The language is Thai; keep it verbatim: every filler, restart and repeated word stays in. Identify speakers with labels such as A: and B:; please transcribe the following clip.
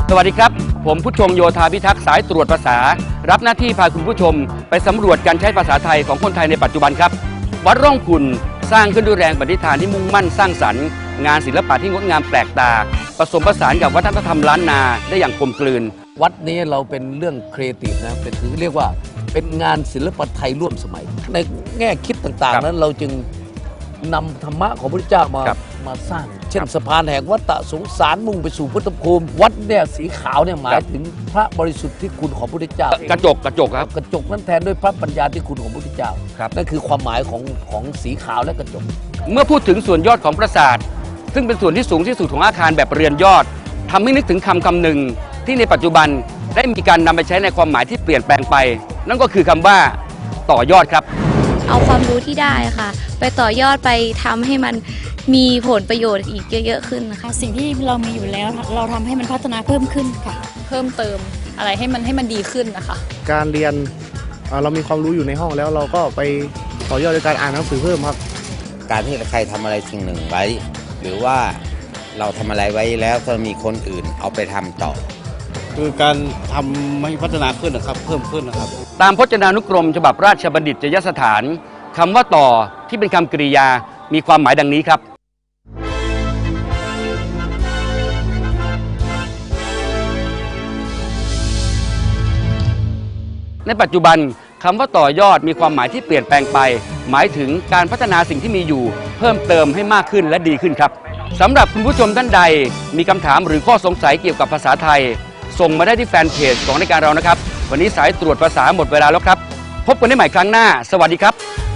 A: สวัสดีครับผมผู้ชงโยธาพิทักษ์สายตรวจภาษารับหน้าที่พาคุณผู้ชมไปสำรวจการใช้ภาษาไทยของคนไทยในปัจจุบันครับวัดร่องขุ่นสร้างขึ้นด้วยแรงปณิธานที่มุ่งมั่นสร้างสรรค์งานศิลปะที่งดงามแปลกตาผสมผสานกับวัฒนธรรมล้านนาได้อย่างกลมกลืน
B: วัดนี้เราเป็นเรื่องครีเอทีฟนะเป็นคือเรียกว่าเป็นงานศิลปะไทยร่วมสมัยในแง่คิดต่างๆนั้นเราจึงนำธรรมะของพระพุทธเจ้ามามาสร้างเช่นสะพานแห่งวัฏฏะสงสารมุ่งไปสู่พุทธภูมิวัดเนี่ยสีขาวเนี่ยหมายถึงพระบริสุทธิ์ที่คุณของพระพุทธเจ้าก
A: ระจกกระจกครับ
B: กระจกนั้นแทนด้วยพระปัญญาที่คุณของพระพุทธเจ้านั่นคือความหมายของของสีขาวและกระจก
A: เมื่อพูดถึงส่วนยอดของปราสาทซึ่งเป็นส่วนที่สูงที่สุดของอาคารแบบเรือนยอดทำให้นึกถึงคำคำหนึ่งที่ในปัจจุบันได้มีการนำไปใช้ในความหมายที่เปลี่ยนแปลงไปนั่นก็คือคำว่าต่อยอดครับ
C: เอาความรู้ที่ได้ค่ะไปต่อยอดไปทำให้มันมีผลประโยชน์อีกเยอะๆขึ้นนะคะ
D: สิ่งที่เรามีอยู่แล้วเราทำให้มันพัฒนาเพิ่มขึ้นค่ะเพิ่มเติมอะไรให้มันให้มันดีขึ้นนะคะ
E: การเรียนเรามีความรู้อยู่ในห้องแล้วเราก็ไปต่อยอดในการอ่านหนังสือเพิ่มครับ
F: การที่ใครทำอะไรสิ่งหนึ่งไว้หรือว่าเราทำอะไรไว้แล้วก็มีคนอื่นเอาไปทำต่อ
G: คือการทำให้พัฒนาขึ้นนะครับเพิ่มขึ้นนะครับ
A: ตามพจนานุกรมฉบับราชบัณฑิตยสถานคำว่าต่อที่เป็นคำกริยามีความหมายดังนี้ครับในปัจจุบันคำว่าต่อยอดมีความหมายที่เปลี่ยนแปลงไปหมายถึงการพัฒนาสิ่งที่มีอยู่เพิ่มเติมให้มากขึ้นและดีขึ้นครับสำหรับคุณผู้ชมท่านใดมีคำถามหรือข้อสงสัยเกี่ยวกับภาษาไทยส่งมาได้ที่แฟนเพจของรายการเรานะครับวันนี้สายตรวจภาษาหมดเวลาแล้วครับพบกันได้ใหม่ครั้งหน้าสวัสดีครับ